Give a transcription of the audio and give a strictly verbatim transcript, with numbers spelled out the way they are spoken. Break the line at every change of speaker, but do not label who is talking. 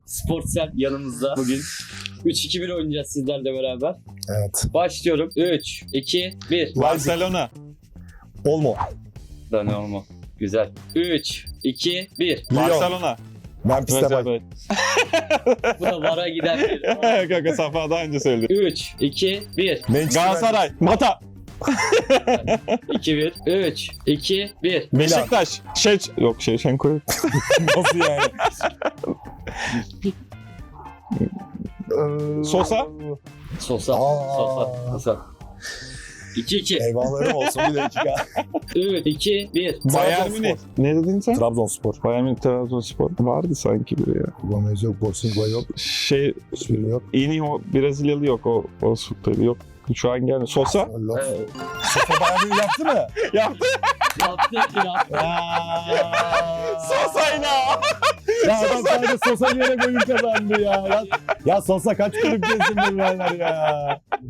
Sportsel yanımızda bugün. üç iki bir oynayacağız sizlerle beraber.
Evet.
Başlıyorum. üç, iki, bir.
Barcelona.
Olmo.
Dani Olmo. Güzel. üç, iki, bir.
Lyon.
Barcelona.
Memphis
Evet,
Depay.
evet.
Bu da vara gider bir.
Kanka Safa daha önce söyledi.
üç, iki, bir.
Manchester
Galatasaray. Mata.
iki, bir. üç, iki, bir.
Beşiktaş. Şey yok şey Şenkoy.
United. Nasıl yani? Ee,
Sosa.
Sosa.
Aa.
Sosa. Sosa. iki, iki.
Eyvahlarım olsun bir dakika.
üç, iki, bir.
Bayern Münih. Ne dedin sen?
Trabzonspor.
Bayern Münih, Trabzonspor. Vardı sanki biri ya.
Gomez yok, Borsinga yok.
Şey,
Hiçbiri yok.
Iniho Brezilyalı yok o o tabii yok. Şu an gelmiyor. Sosa.
Allah.
Evet.
Sosa bayağı bir yaptı mı?
Yaptı.
Yaptı, yaptı.
Sosa'yla.
Ya adam sadece Sosa diyerek oyun kazandı ya. Ya, ya Sosa kaç kulüp gezdim bunlar ya.